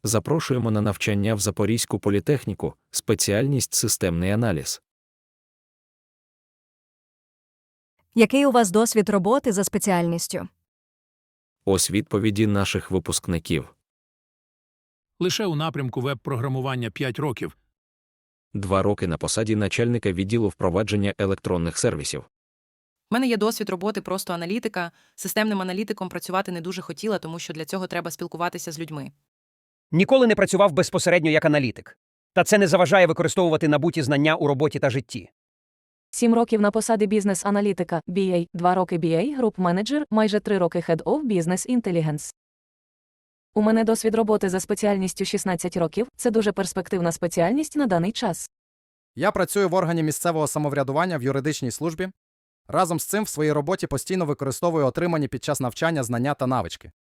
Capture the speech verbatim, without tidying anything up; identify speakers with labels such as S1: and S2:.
S1: Запрошуємо на навчання в Запорізьку політехніку, спеціальність системний аналіз.
S2: Який у вас досвід роботи за спеціальністю?
S1: Ось відповіді наших випускників.
S3: Лише у напрямку веб-програмування п'ять років.
S1: Два роки на посаді начальника відділу впровадження електронних сервісів.
S4: У мене є досвід роботи просто аналітика. Системним аналітиком працювати не дуже хотіла, тому що для цього треба спілкуватися з людьми.
S5: Ніколи не працював безпосередньо як аналітик. Та це не заважає використовувати набуті знання у роботі та житті.
S6: Сім років на посаді бізнес-аналітика, бі ей, два роки бі ей, груп-менеджер, майже три роки Head of Business Intelligence. У мене досвід роботи за спеціальністю шістнадцять років, це дуже перспективна спеціальність на даний час.
S7: Я працюю в органі місцевого самоврядування в юридичній службі. Разом з цим в своїй роботі постійно використовую отримані під час навчання знання та навички.